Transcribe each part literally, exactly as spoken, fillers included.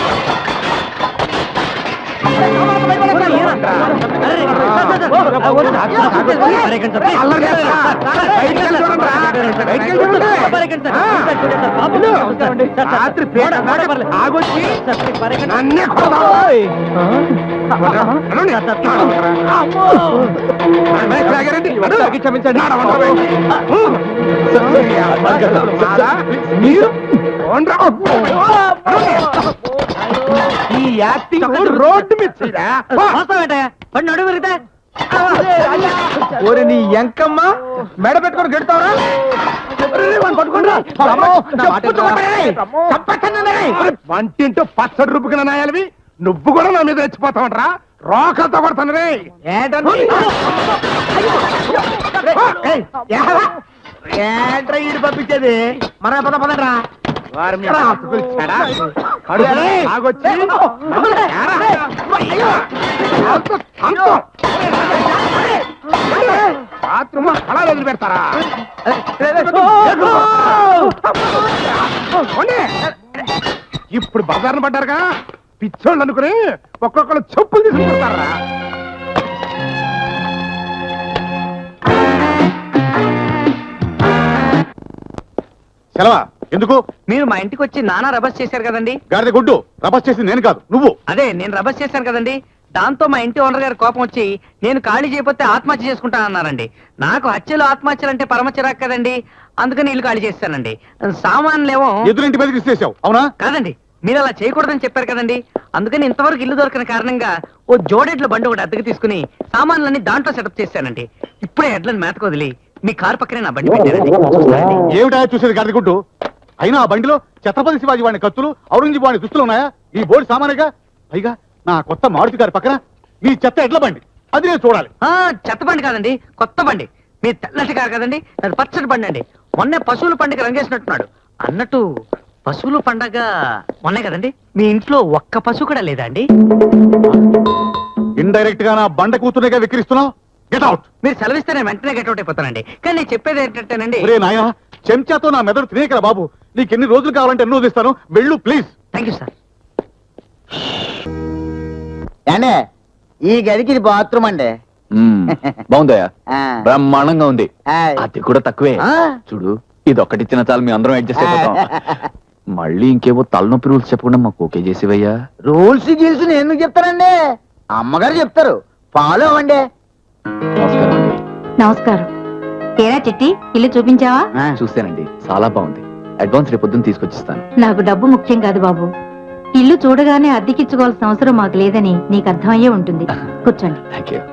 ఈ acting road మీద నడు పెరిగితే నీ ఎంకమ్మ మెడ పెట్టుకొని గెడతావరా వంటింటూ పచ్చడి రూపుకిన నాయాలవి నువ్వు కూడా నా మీద రెచ్చిపోతావంటరా రోకలతో కొడతాను రే ఏంట్రా ఈడు పంపించేది మన పద పదరా బాత్రూమ్ అలా వదిలి పెడతారా ఇప్పుడు బజార్ను పడ్డారుగా పిచ్చోళ్ళు అనుకుని ఒక్కొక్కరు చెప్పులు తీసుకుంటారా సెలవా ఎందుకు? మీరు మా ఇంటికి వచ్చి నానా రబస్ చేశారు కదండి. గాడిద గుడ్డు, రబస్ చేసి నేను కాదు నువ్వు. అదే నేను రబస్ చేశాను కదండి. దాంతో మా ఇంటి ఓనర్ గారి కోపం వచ్చి నేను ఖాళీ చేయకపోతే ఆత్మహత్య చేసుకుంటానన్నారండి. నాకు హత్యలు ఆత్మహత్యలు అంటే పరమ చిరాకు కదండి, అందుకని ఇల్లు ఖాళీ చేస్తానండి. సామాన్లేమో ఎదురింటి మీదకి ఇచ్చేసావు అవునా? కాదండి, మీరు అలా చేయకూడదని చెప్పారు కదండి, అందుకని ఇంతవరకు ఇల్లు దొరకని కారణంగా ఓ జోడెడ్ల బండి ఒకటి అద్దెకి తీసుకుని సామాన్లన్నీ దాంట్లో సెటప్ చేశానండి. ఇప్పుడే ఎడ్లను మేతకు వదిలి మీ కారు పక్కనే నా బండి పెట్టారండి. ఏమిటా చూసేది గాడిద గుడ్డు? అయినా ఆ బండిలో ఛత్రపతి శివాజీ వాడిని కత్తులు, ఔరంగజేబు వాడిని దుస్తులు ఉన్నాయా? ఈ బోర్డు సామాన్యగా. పైగా నా కొత్త మారుతి గారి పక్కన మీ చెత్త ఎడ్ల బండి, అది నేను చూడాలి. చెత్త బండి కాదండి, కొత్త బండి. మీ తెల్లటి కారు కదండి, అది పచ్చడి బండి అండి. మొన్నే పశువుల పండుగ రంగేసినట్టున్నాడు. అన్నట్టు పశువుల పండగ మొన్నే కదండి, మీ ఇంట్లో ఒక్క పశువు కూడా లేదా అండి? ఇండైరెక్ట్ గా నా బండ కూతురుగా విక్రిస్తున్నావు. Get out. మీరు సెలవిస్తే నేను వెంటనే గెట్ అవుట్ అయిపోతానండి. కానీ నేను చెప్పేది ఏంటంటేనండి, నాయన చెంచాతో నా మెదడు తినేకరా బాబు. నీకు ఎన్ని రోజులు కావాలంటే ఎన్ని రోజులు ఇస్తాను, వెళ్ళు ప్లీజ్. Thank you sir. అంటే ఈ గదికి ఇది బాత్రూమ్ అండి. బాగుందయ్యా, బ్రహ్మాండంగా ఉంది. అది కూడా తక్కువే. చూడు, ఇది ఒక్కటి ఇచ్చిన చాలు, మీ అందరం అడ్జస్ట్ అయిపోతాం. మళ్ళీ ఇంకేవో తలనొప్పి రూల్స్ చెప్పకుండా మాకు ఓకే చేసేవయ్యా. రూల్స్ గీల్స్ నేను ఎందుకు చెప్తానండి, అమ్మగారు చెప్తారు. ఫాలో అవ్వండి. నమస్కారం అండి. నమస్కారం. ఏరా చిట్టి, ఇల్లు చూపించావా? చూసానండి, చాలా బాగుంది. అడ్వాన్స్ రేపు పొద్దున్న తీసుకొచ్చిస్తాను. నాకు డబ్బు ముఖ్యం కాదు బాబు. ఇల్లు చూడగానే అద్దెకిచ్చుకోవాల్సిన అవసరం మాకు లేదని నీకు అర్థమయ్యే ఉంటుంది. కూర్చోండి. Thank you.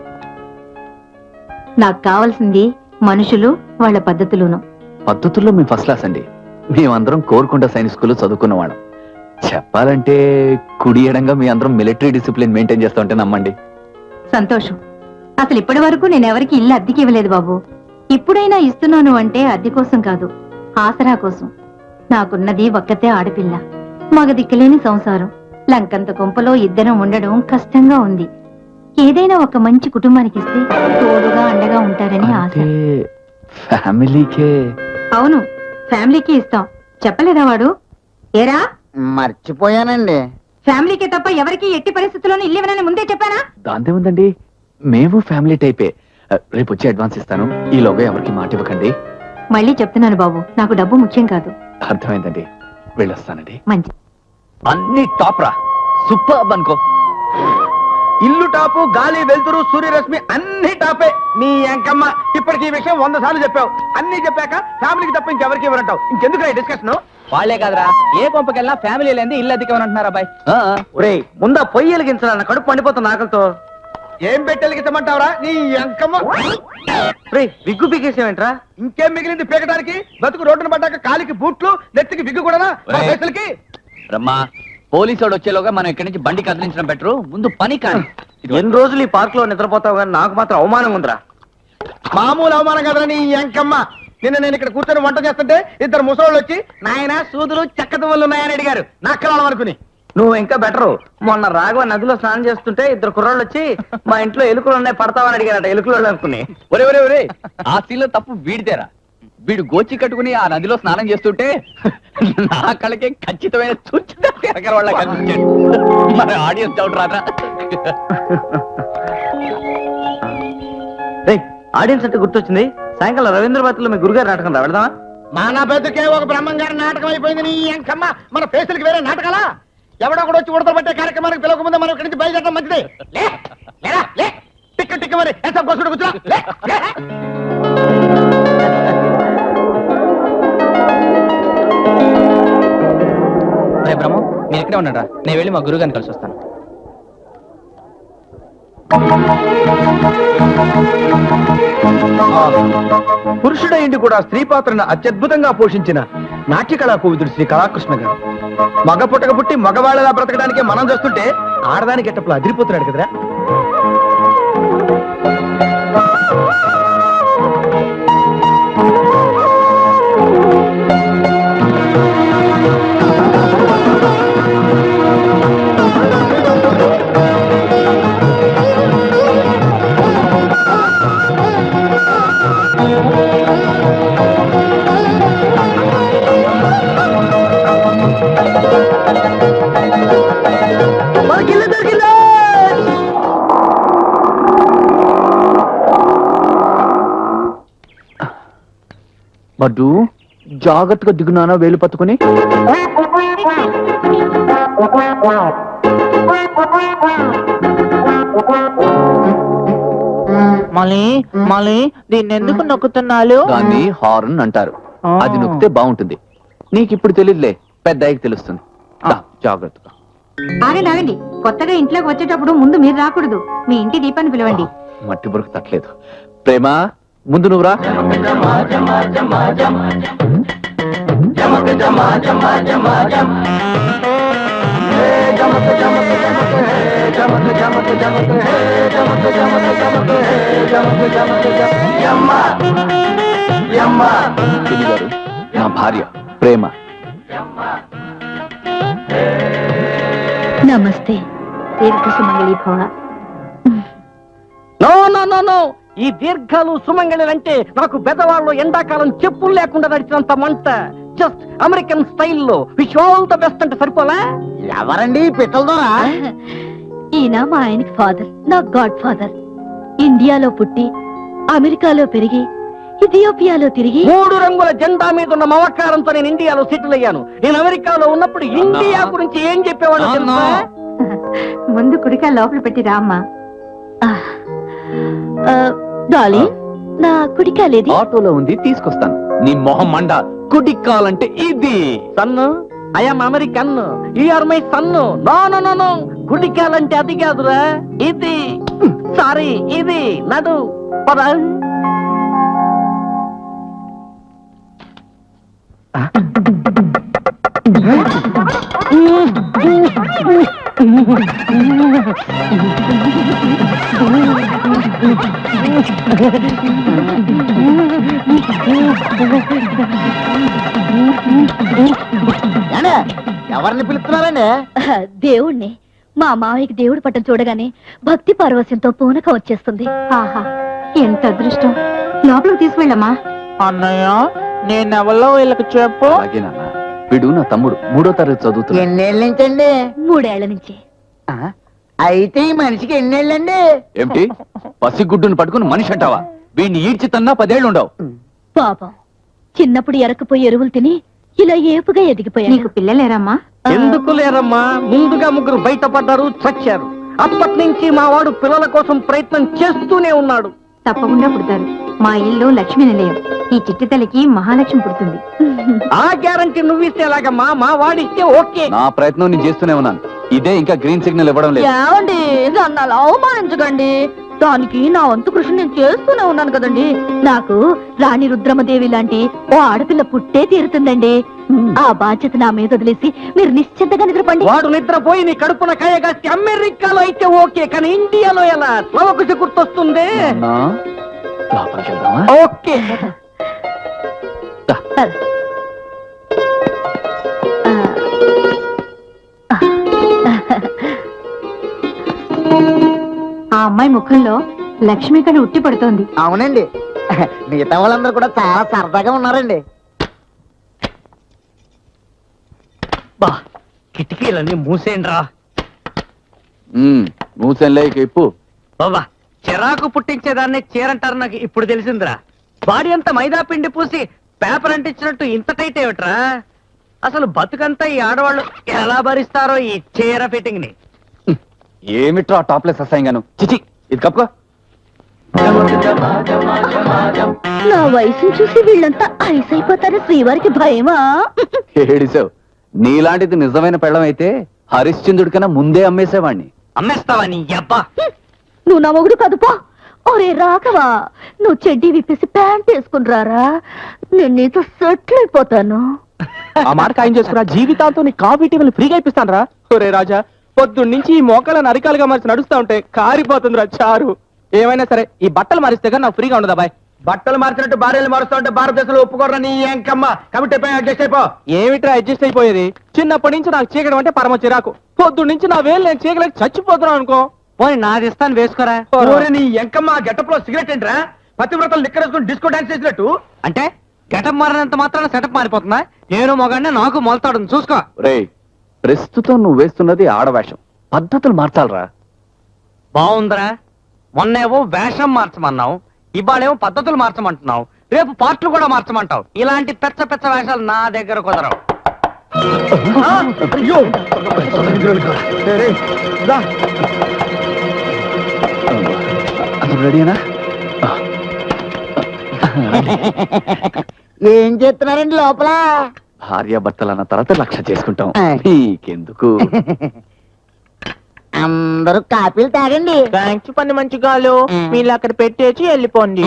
నాకు కావాల్సింది మనుషులు, వాళ్ళ పద్ధతులును. పద్ధతుల్లో మేము ఫస్ట్ క్లాస్ అండి. మేమందరం కోరుకొండ సైనిక్ స్కూల్లో చదువుకున్నవాళ్ళం. చెప్పాలంటే కుడి ఎడంగా మీ అందరం మిలిటరీ డిసిప్లిన్ మెయింటైన్ చేస్తా ఉంటే నమ్మండి. సంతోషం. అసలు ఇప్పటి వరకు నేనెవరికి ఇల్లు అద్దెకి ఇవ్వలేదు బాబు. ఇప్పుడైనా ఇస్తున్నాను అంటే అద్దె కోసం కాదు, ఆసరా కోసం. నాకున్నది ఒక్కతే ఆడపిల్ల, మగ దిక్కులేని సంసారం. లంకంత కొంపలో ఇద్దరం ఉండడం కష్టంగా ఉంది. ఏదైనా ఒక మంచి కుటుంబానికి ఇస్తే తోడుగా అండగా ఉంటారని ఆశ. ఫ్యామిలీకే? అవును, ఫ్యామిలీకి ఇస్తాం. చెప్పలేదా వాడు? ఏరా, మర్చిపోయానండి. ఫ్యామిలీకే తప్ప ఎవరికి ఎట్టి పరిస్థితుల్లోనూ ఇల్లు ఇవ్వనని ముందే చెప్పానా? దాంతే ఉందండి, మేము ఫ్యామిలీ టైపే. రేపు వచ్చి అడ్వాన్స్ ఇస్తాను. ఈలోగా ఎవరికి మాట ఇవ్వకండి. మళ్ళీ చెప్తున్నాను బాబు, నాకు డబ్బు ముఖ్యం కాదు. అర్థమైందండి, వెళ్ళొస్తానండి. మంచి. అన్ని టాప్ రా, సూపర్ అనుకో. ఇల్లు టాపు, గాలి వెలుతురు, సూర్యరశ్మి అన్ని టాపే. నీ ఎంకమ్మ ఇప్పటికి ఈ విషయం వంద సార్లు చెప్పావు. అన్ని చెప్పాక ఫ్యామిలీకి తప్ప ఇంకెవరికి ఇవ్వరంటావు. ఇంకెందుకు డిస్కషన్? వాళ్లే కాదురా, ఏ కొంపకెళ్ళినా ఫ్యామిలీ లేని ఇల్లు అద్దెకేమనంటున్నారు అబ్బాయి. ఒరేయ్, ముందా పొయ్యి వెలిగించాలన్న కడుపు పండిపోతున్న ఆకలితో. ఏం పెట్టి వెలిగించమంటావరా నీ ఎంకమ్మ? రే, విగ్గు పీకేసేవేంట్రా? ఇంకేం మిగిలింది పీకడానికి? బతుకు రోడ్డును పడ్డాక కాలికి బూట్లు, నెత్తికి విగ్గు కూడా. రమ్మా, పోలీసు వాడు వచ్చేలోగా మనం ఇక్కడి నుంచి బండి కదిలించడం బెటరు. ముందు పని కానీ. ఎన్ని రోజులు ఈ పార్క్ లో నిద్రపోతావు కానీ నాకు మాత్రం అవమానం ఉందిరా. మామూలు అవమానం కదరా నీ ఎంకమ్మ. నిన్న నేను ఇక్కడ కూర్చొని వంట చేస్తుంటే ఇద్దరు ముసలోళ్ళు వచ్చి నాయన సూదులు చెక్కదవలు ఉన్నాయని అడిగారు. నక్కలాడం అనుకుని. నువ్వు ఇంకా బెటరు. మొన్న రాఘవ నదిలో స్నానం చేస్తుంటే ఇద్దరు కుర్రాళ్ళు వచ్చి మా ఇంట్లో ఎలుకలు ఉన్నాయి పడతావని అడిగారట. ఎలుకలు అనుకుని. ఒరే ఒరే ఒరే, ఆ సీన్లో తప్పు వీడితేరా. వీడు గోచి కట్టుకుని ఆ నదిలో స్నానం చేస్తుంటే నా కళ్ళకి ఖచ్చితమైన చూచిన వాళ్ళ కనిపించాడు. మరి ఆడియన్స్ డౌట్ రాదా? ఆడియన్స్ అంటే గుర్తొచ్చింది, సాయంకాలం రవీంద్ర భారతిలో మీ గురుగారు నాటకం రా, వెళదామా? మన బతుకే ఒక బ్రహ్మంగారి నాటకం అయిపోయింది నీ అంకమ్మ. మన ఫేసులకి వేరే నాటకాలా? ఎవడో కూడా వచ్చి ఉడతలు పట్టే కార్యక్రమానికి పిలవక ముందే మనం ఇక్కడి నుంచి బయలుదేరడం మంచిది. లే, లేరా, లే. టిక్క టిక్క మరి ఎంత కోసుకుంటూ కూర్చో. లే, లే. రే బ్రహ్మ, మీరు ఇక్కడే ఉన్నారా? నేను వెళ్ళి మా గురుగారిని కలిసి వస్తాను. పురుషుడైండి కూడా స్త్రీ పాత్రను అత్యద్భుతంగా పోషించిన నాట్య కళా కోవిదుడు శ్రీ కళాకృష్ణ గారు. మగ పుట్టక పుట్టి మగవాళ్ళలా బ్రతకడానికి మనం చూస్తుంటే ఆడదానికి ఎట్టప్పుడు అదిరిపోతున్నాడు కదరా. బడ్డు జాగ్రత్తగా దిగునానా వేలు పట్టుకుని. మళ్ళీ మళ్ళీ దీన్ని ఎందుకు నొక్కుతున్నాడు? దాన్ని హార్న్ అంటారు. అది నొక్కితే బాగుంటుంది. నీకు ఇప్పుడు తెలియదులే, పెద్ద అయ్యకి తెలుస్తుంది. దా, జాగ్రత్తగా. ఆగండి ఆగండి, కొత్తగా ఇంట్లోకి వచ్చేటప్పుడు ముందు మీరు రాకూడదు, మీ ఇంటి దీపాన్ని పిలవండి. మట్టి బురకు తట్టలేదు. ప్రేమ, ముందు నువ్వురా. పిన్ని గారు, నా భార్య ప్రేమ. నమస్తే, దీర్ఘ సుమంగళి భవ. నో నో నో నో, ఈ దీర్ఘాలు సుమంగళిలంటే నాకు పెద్దవాళ్ళు ఎండాకాలం చెప్పులు లేకుండా నడిచినంత మంట. జస్ట్ అమెరికన్ స్టైల్లో విష్ ఆల్ ద బెస్ట్ అంటే సరిపోలా? ఎవరండి పిట్టలదోరా? ఈయన మా ఆయనకి ఫాదర్, నా గాడ్ ఫాదర్. ఇండియాలో పుట్టి అమెరికాలో పెరిగి ఇథియోపియాలో తిరిగి మూడు రంగుల జెండా మీద ఉన్న మమకారంతో నేను ఇండియాలో సెటిల్ అయ్యాను. నేను అమెరికాలో ఉన్నప్పుడు ఇండియా గురించి ఏం చెప్పేవాడు తెలుసా? ముందు కుడికా లోపల పెట్టి రామ్మా. డాలీ, నా కుడికా లేది? ఆటోలో ఉంది, తీసుకొస్తాను. నీ మొహం మండ. కుడిక్కాలంటే ఇది. Son, I am American, you are my son. No no no no, కుడికాలంటే అది కాదురా, ఇది. సారీ, ఇది. నడు పద. ఎవరిని పిలుస్తున్నారండి? దేవుణ్ణి. మా మావయ్యకి దేవుడి పట్టం చూడగానే భక్తి పారవస్యంతో పూనకం వచ్చేస్తుంది. ఆహా, ఎంత అదృష్టం. లోపలికి తీసుకెళ్ళమ్మా. అన్నయ్య, నేనెవరో వీళ్ళకి చెప్పు. అలాగే నాన్న. వీడు నా తమ్ముడు, మూడో తరగతి చదువుతున్నాడు. ఎన్నేళ్ళ నుంచండి? మూడేళ్ల నుంచి. అయితే ఈ మనిషికి ఎన్నేళ్ళండి? ఏమిటి, పసిగుడ్డును పట్టుకుని మనిషి అంటావా? వీడిని ఈడ్చి తన్నా పదేళ్లు ఉండవు. పాపం, చిన్నప్పుడు ఎరకపోయి ఎరువులు తిని ఇలా ఏపుగా ఎదిగిపోయా. నీకు పిల్లలేరమ్మా? ఎందుకు లేరమ్మా, ముందుగా ముగ్గురు బయటపడ్డారు, చచ్చారు. అప్పటి నుంచి మా వాడు పిల్లల కోసం ప్రయత్నం చేస్తూనే ఉన్నాడు. తప్పకుండా పుడతారు. మా ఇల్లు లక్ష్మీ నిలయం. ఈ చిట్టి తల్లికి మహాలక్ష్మి పుడుతుంది. ఆ గ్యారంటీ నువ్విస్తే ఎలాగమ్మా? మా వాడిస్తే ఓకే. నా ప్రయత్నం నేను చేస్తూనే ఉన్నాను. ఇదే ఇంకా గ్రీన్ సిగ్నల్ ఇవ్వడం లేదు. ఏమండి, నన్ను అలా అవమానించకండి. దానికి నా వంతు కృషి నేను చేస్తూనే ఉన్నాను కదండి. నాకు రాణి రుద్రమదేవి లాంటి ఓ ఆడపిల్ల పుట్టే తీరుతుందండి. ఆ బాధ్యత నా మీద వదిలేసి మీరు నిశ్చింతగా నిద్రపండి. వాడు నిద్రపోయి నీ కడుపున కాయగాసి అమెరికాలో అయితే ఓకే, కానీ ఇండియాలో ఎలా? స్లవకుశ గుర్తొస్తుంది. నాన్నా, లోపలికి వెళ్దామా? ఓకే. దా. ఆ అమ్మాయి ముఖంలో లక్ష్మి కళ ఉట్టి పడుతోంది. అవునండి, మిగతా వాళ్ళందరూ కూడా చాలా సరదాగా ఉన్నారండి. బా కిటికీలన్నీ మూసేయండిరా. మూసెన్లే ఇక ఇప్పు. బాబా చిరాకు పుట్టించేదాన్ని చీరంటారు నాకు ఇప్పుడు తెలిసిందిరా. బాడీ అంతా మైదా పిండి పూసి పేపర్ అంటించినట్టు ఇంత టైట్ ఏమిట్రా? అసలు బతుకంతా ఈ ఆడవాళ్ళు ఎలా భరిస్తారో ఈ చీర ఫిట్టింగ్ ని. ఏమిట్రా టాప్లెస్ అసహ్యంగాను. చిచి ఇది కప్పుకో. నా వయసును చూసి వీళ్ళంతా ఐస్ అయిపోతారు. శ్రీవారికి భయమా? ఏడిసావు. నీలాంటిది నిజమైన పెళ్ళం అయితే హరిశ్చంద్రుడి కన్నా ముందే అమ్మేసేవాణ్ణి. అమ్మేస్తావా నీ అబ్బా? నువ్వు నా మొగుడు కదుపో. ఒరే రాఘవా, నువ్వు చెడ్డీ విప్పేసి ప్యాంట్ వేసుకుని రారా, నేను నీతో సెటిల్ అయిపోతాను. ఆ మాట ఖాయం చేసుకురా. జీవితాంతో నీ కాఫీ టీవీలు ఫ్రీగా ఇప్పిస్తాను రా. ఒరే రాజా, పొద్దున్న నుంచి ఈ మోకాలను అరికాలుగా మార్చి నడుస్తా ఉంటే కారిపోతుంది రా చారు. ఏమైనా సరే ఈ బట్టలు మారిస్తే కానీ నాకు ఫ్రీగా ఉండదా బాయ్. బట్టలు మార్చినట్టు భార్యలు మారుస్తా ఉంటే భారతదేశంలో ఒప్పుకోరా నీ ఎంకమ్మ. కాబట్టి అడ్జస్ట్ అయిపో. ఏమిట్రా అడ్జస్ట్ అయిపోయేది? చిన్నప్పటి నుంచి నాకు చీకడం అంటే పరమ చిరాకు. పొద్దున్న నుంచి నా వేలు నేను చీకలేక చచ్చిపోతున్నాను అనుకో. పోనీ నాది ఇస్తాను వేసుకోరా. ఊరి నీ ఎంకమ్మ గెటప్ లో సిగరెట్ ఏంట్రా? పతివ్రతలు లిక్కరేసుకుని డిస్కో డాన్స్ చేసినట్టు. అంటే గెటప్ మారినంత మాత్రాన సెటప్ మారిపోతుందా? నేను మొగాడిని నాకు మొలతాడు చూసుకో. రేయ్ ప్రస్తుతం నువ్వు వేస్తున్నది ఆడవేషం. పద్ధతులు మార్చాలరా. బాగుందిరా. మొన్నేమో వేషం మార్చమన్నావు, ఇవాళేమో పద్ధతులు మార్చమంటున్నావు, రేపు పార్ట్లు కూడా మార్చమంటావు. ఇలాంటి పెచ్చ పెచ్చ వేషాలు నా దగ్గర కుదరవు. అయ్యో అసలు రెడీనా? ఏం చేస్తున్నారండి లోపల? భార్య భర్తలు అన్న తర్వాత లక్ష చేసుకుంటాం. నీకెందుకు? అందరూ కాపీలు తాగండి. థ్యాంక్స్ పని మంచి గాలు. వీళ్ళు అక్కడ పెట్టేసి వెళ్ళిపోండి.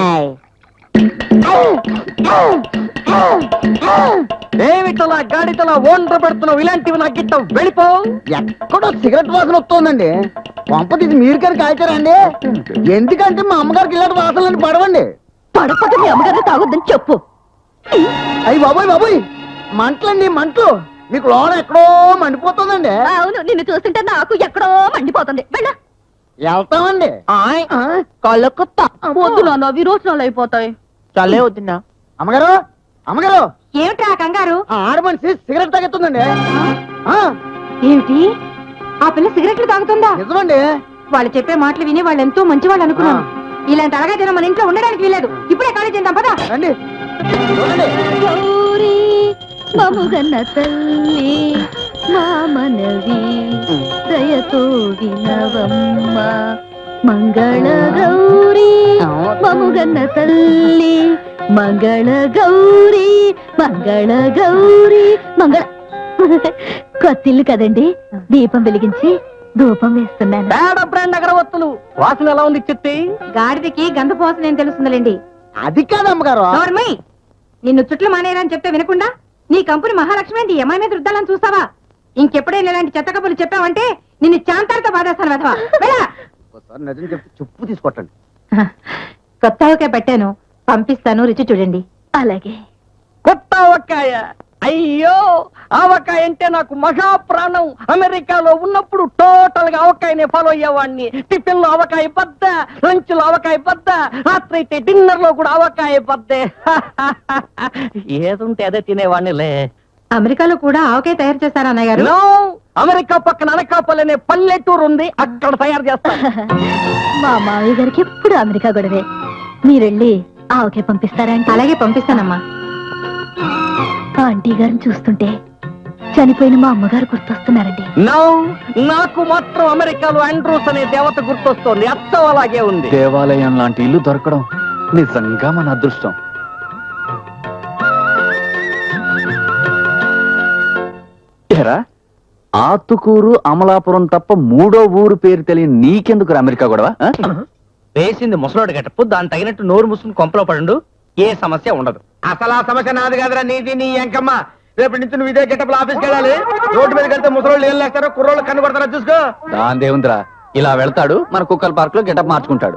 ఏమిటలా గాడితలా ఓండ్ర పెడుతున్నావు? ఇలాంటివి నాకు గిట్ట వెళ్ళిపో. ఎక్కడో సిగరెట్ వాసన వస్తుందండి. పంప తీసి మీరు కానీ కాల్చారండి? ఎందుకంటే మా అమ్మగారికి ఇలాంటి వాసనలు పడవండి. పడపద మీ అమ్మగారిని తాగొద్దని చెప్పు. అయ్యి బాబోయ్ బాబోయ్, మంటలండి మంటలు. మీకు లోన ఎక్కడో మండిపోతుందండి. అవును, నిన్ను చూస్తుంటే నాకు ఎక్కడో మండిపోతుంది. వెళ్ళ వెళ్తామండి. కళ్ళకొత్త వద్దు నాన్న, విరోచనాలు అయిపోతాయి. చల్లే వద్దున్నా. అమ్మగారు అమ్మగారు, ఏమిట్రా కంగారు? ఆ ఆడ మనిషి సిగరెట్ తాగెత్తుందండి. ఆ, ఏమిటి? ఆ పిల్ల సిగరెట్లు తాగుతుందా? నిజమండి. వాళ్ళు చెప్పే మాటలు విని వాళ్ళు ఎంతో మంచి వాళ్ళు అనుకున్నాను. ఇలాంటి అలగైతే మన ఇంట్లో ఉండడానికి వీలేదు. ఇప్పుడే ఖాళీ చేద్దాం పదా. రండి చూడండి. గౌరీ మముగన్న తల్లి మా మనవి దయతో వినవమ్మ. మంగళ గౌరీ మముగన్న తల్లి, మంగళ గౌరీ, మంగళ గౌరీ, మంగళ. కొత్తిల్లు కదండి, దీపం వెలిగించి ధూపం వేస్తున్నాను. పేడ బ్రాండ్ అగరవత్తులు వాసన ఎలా ఉంది చెత్తి? గాడిదకి గంధ పోసన ఏం తెలుస్తుందిలేండి. అది కాదు అమ్మగారు. నోర్మై, నిన్ను చుట్లు మానేయరని చెప్తే వినకుండా నీ కంపెనీ మహాలక్ష్మి అంటే ఎమ్మాయి మీద రుద్దాలని చూస్తావా? ఇంకెప్పుడైనా ఇలాంటి చెత్త కబుర్లు చెప్పావంటే నిన్ను చాంతాలతో బాధేస్తాను వెధవా. వెళ్ళా. ఒకసారి నిజం చెప్పి చెప్పు తీసుకొట్టండి. కొత్త ఆవకాయ పెట్టాను, పంపిస్తాను, రుచి చూడండి. అలాగే. కొత్త ఆవకాయ? అయ్యో, ఆవకాయ అంటే నాకు మహా ప్రాణం. అమెరికాలో ఉన్నప్పుడు టోటల్ గా ఆవకాయనే ఫాలో అయ్యేవాడిని. టిఫిన్ లో ఆవకాయ బద్ద, లంచ్ లో ఆవకాయ బద్ద, రాత్రి అయితే డిన్నర్ లో కూడా ఆవకాయ బద్దే. ఏదుంటే అదే తినేవాడినిలే. అమెరికాలో కూడా ఆవకాయ తయారు చేస్తారా అన్నయ్య గారు? నో, అమెరికా పక్కన అనకాపల్లి అనే పల్లెటూరు ఉంది, అక్కడ తయారు చేస్తారు. మా మావయ్య గారికి ఎప్పుడు అమెరికా గొడవే. మీరెళ్ళి ఆవకాయ పంపిస్తారా? అలాగే పంపిస్తానమ్మా. ఆంటీ గారిని చూస్తుంటే చనిపోయిన మా అమ్మగారు గుర్తొస్తున్నారండి. నో, నాకు మాత్రం అమెరికాలో ఆండ్రూస్ అనే దేవత గుర్తొస్తోంది. అచ్చం అలాగే ఉంది. దేవాలయం లాంటి ఇల్లు దొరకడం నిజంగా మన అదృష్టం. ఏరా, ఆతుకూరు అమలాపురం తప్ప మూడో ఊరు పేరు తెలియని నీకెందుకు అమెరికా గొడవ? ఆ? వేసింది ముసలోడు గట్టపు, దాని తగినట్టు నోరు ముసుకుని కొంపలో పడు, ఏ సమస్య ఉండదు. అసలు ఆ సమస్య నాది కాదురా, నీది నీ ఎంకమ్మ. రేపటి నుంచి నువ్వు ఇదే గెటప్ ఆఫీస్కి వెళ్ళాలి. రోడ్డు మీదకి వెళ్తే ముసలోళ్ళు ఏం లేస్తారో, కుర్రోళ్ళు కన్ను కొడతారో చూసుకో. దాని దేవుందిరా, ఇలా వెళ్తాడు, మన కుక్కల పార్క్ లో గెటప్ మార్చుకుంటాడు.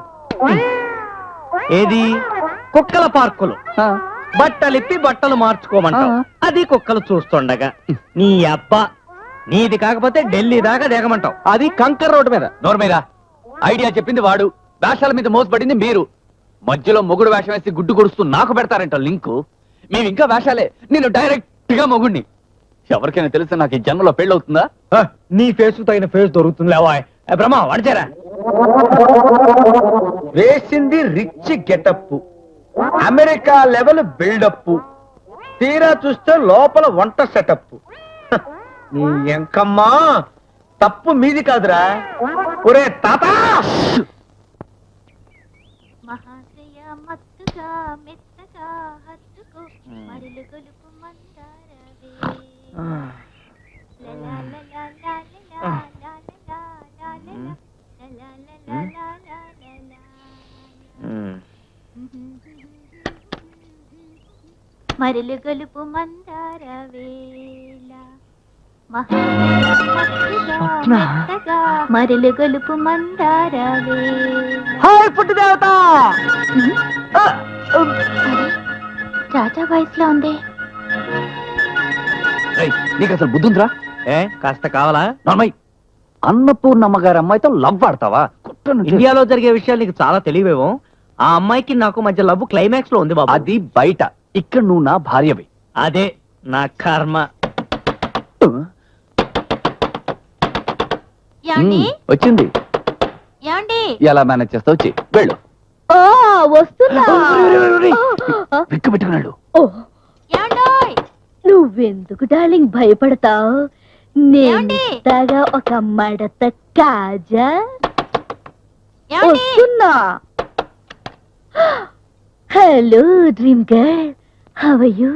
ఏది? కుక్కల పార్కులు బట్టలిప్పి బట్టలు మార్చుకోమంటావు, అది కుక్కలు చూస్తుండగా. నీ అబ్బా, నీది కాకపోతే ఢిల్లీ దాకా దిగమంటావు, అది కంకర్ రోడ్డు మీద. నోర్మేరా, ఐడియా చెప్పింది వాడు, వేషాల మీద మోసపడింది మీరు. మధ్యలో మొగుడు వేషం వేసి గుడ్డు కొడుస్తూ నాకు పెడతారంట లింకు. మేము ఇంకా వేషాలే, నేను డైరెక్ట్ గా మొగుడిని. ఎవరికైనా తెలిస్తే నాకు ఈ జన్మలో పెళ్ళవుతుందా? ఆ, నీ ఫేస్ తగిన ఫేస్ దొరుకుతుంది లేవా బ్రహ్మ వడిచారా. వేసింది rich getup, America level buildup, తీరా చూస్తే లోపల వంట సెటప్. నీ ఎంకమ్మా తప్పు మీది కాదురా. ఒరే తాత, మహాశయ మత్తుగా మెత్తగా హత్తుకో మరులు గొలుపు మందారవే లలా లలా లలా లలా లలా లలా లలా లలా లలా మరులు గొలుపు మందారవేళ మరులు గొలుపు మందారవేళ. హాయ్ పుట్టి దేవత. రాజా వాయిస్ లో ఉంది. ఏయ్, నీకు అసలు బుద్ధి ఉందిరా? ఏ కాస్త కావాలా? నార్మల్ అన్నపూర్ణమ్మ గారి అమ్మాయితో లవ్ ఆడతావా? కుట్రను చేసి- ఇండియాలో జరిగే విషయాలు నీకు చాలా తెలివేమో. ఆ అమ్మాయికి నాకు మధ్య లవ్ క్లైమాక్స్ లో ఉంది బాబు. అది బయట, ఇక్కడ నువ్వు నా భార్యవి. అదే నా కర్మ. యాండి ఉమ్, వచ్చింది. యాండి ఎలా మేనేజ్ చేస్తావు? వచ్చి వెళ్ళు. ఓ వస్తున్నా. విక్కు పెట్టుకున్నాడు. యాండోయ్ నువ్వెందుకు డార్లింగ్ భయపడతావు? ఏమండి? నేను ఒక మడత కాజా యాండి వస్తున్నా. Hello dream girl, how are you?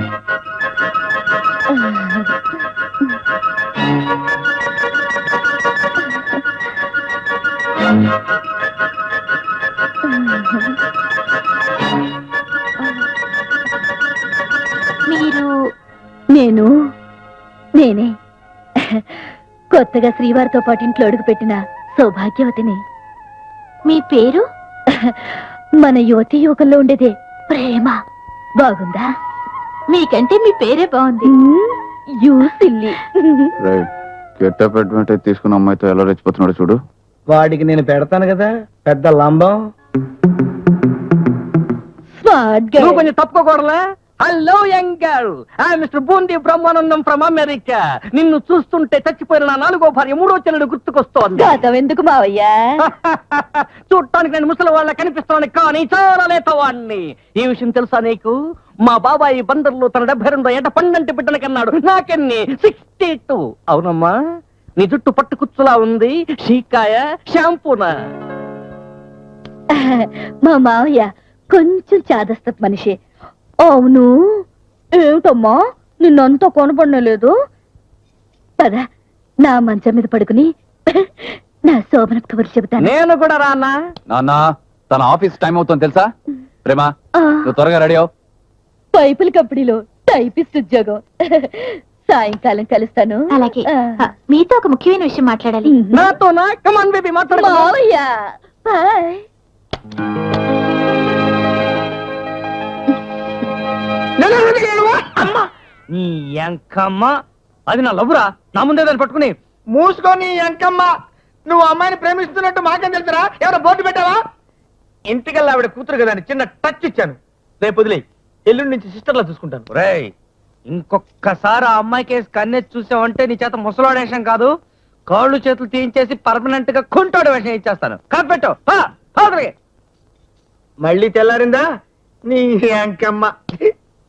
మీరు నేను నేనే కొత్తగా శ్రీవారితో పాటు ఇంట్లో అడుగుపెట్టిన సౌభాగ్యవతిని. మీ పేరు మన యువతి యువకుల్లో ఉండేదే ప్రేమ. బాగుందా? మీకంటే మీ పేరే బాగుంది. You silly. గెటప్ అడ్వాంటేజ్ తీసుకున్న అమ్మాయితో ఎలా రెచ్చిపోతున్నాడు చూడు. వాడికి నేను పెడతాను కదా పెద్ద లంబం. స్మార్ట్ నువ్వు గర్ల్. కొంచెం తప్పుకోకూడలే. Hello young girl, I mister Boondi Brahmanandam from America. నిన్ను చూస్తుంటే చచ్చిపోయిన నా నాలుగో భార్య మూడో చెల్లెడు గుర్తుకొస్తోంది. గతం ఎందుకు మావయ్యా? చూడటానికి నేను ముసలి వాళ్ళ కనిపిస్తున్నాను, కానీ చాలా లేతవాణ్ణి. ఈ విషయం తెలుసా నీకు? మా బాబాయి బందర్లో తన డెబ్బై రెండో ఏట పండంటి బిడ్డన కన్నాడు. నాకెన్ని సిక్స్టీ టూ. అవునమ్మా, నీ జుట్టు పట్టు కుచ్చులా ఉంది. షీకాయ షాంపూనా? మా మావయ్య కొంచెం చాదస్తపు మనిషి. అవును, ఏమిటమ్మా నిన్నంతా కొనపడలేదు? పద నా మంచం మీద పడుకుని నా శోభన కబుర్లు చెబుతాను. నేను కూడా రానా? నాన్న, తన ఆఫీస్ టైం అవుతుంది తెలుసా? ప్రేమ, ఆ, నువ్వు త్వరగా రెడీ అవు. పైపుల కంపెనీలో టైపిస్ట్ ఉద్యోగం. సాయంకాలం కలుస్తాను. అలాగే ఆ. ఆ, మీతో ఒక ముఖ్యమైన విషయం మాట్లాడాలి. నాతోనా? కమాన్ బేబీ, మాట్లాడు. మావయ్య బాయ్. అమ్మా నీ ఎంకమ్మ, అది నా లవ్వురా. నా ముందే దాన్ని పట్టుకుని మూసుకొని ఎంకమ్మ. నువ్వు అమ్మాయిని ప్రేమిస్తున్నట్టు మాకేం తెలుసురా? ఎవరో బోర్డు పెట్టావా? ఇంటికల్లా ఆవిడ కూతురు కదా అని చిన్న టచ్ ఇచ్చాను. రేపు వదిలే, ఎల్లుండి నుంచి సిస్టర్లా చూసుకుంటాను. రేయ్, ఇంకొక్కసారి ఆ అమ్మాయి కేసు కన్నెత్తి చూసావంటే నీ చేత ముసలాడు వేషం కాదు, కాళ్ళు చేతులు తీయించేసి పర్మనెంట్ గా కుంటాడు వేషం ఇచ్చేస్తాను. కాపెట్టు. మళ్ళీ తెల్లారిందా నీ ఎంకమ్మ?